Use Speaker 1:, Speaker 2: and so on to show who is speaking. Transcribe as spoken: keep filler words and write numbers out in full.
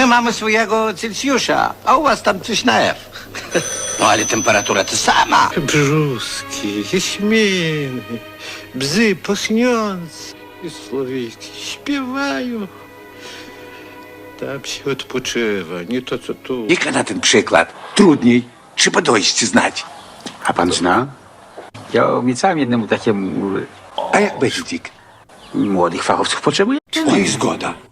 Speaker 1: mamy swojego Celsjusza, a u was tam coś na F. No ale temperatura ta sama.
Speaker 2: Brzuski, jaśminy, bzy pachniące i słowiki śpiewają. Tam się odpoczywa, nie to co tu.
Speaker 3: Яка на ten przykład? Trudniej. Trzeba dojść znać.
Speaker 4: A pan zna? Ja obiecałem jednemu takiemu
Speaker 3: A jak będzie, Dick?
Speaker 4: młodych fachowców potrzebuję.
Speaker 3: No i zgoda.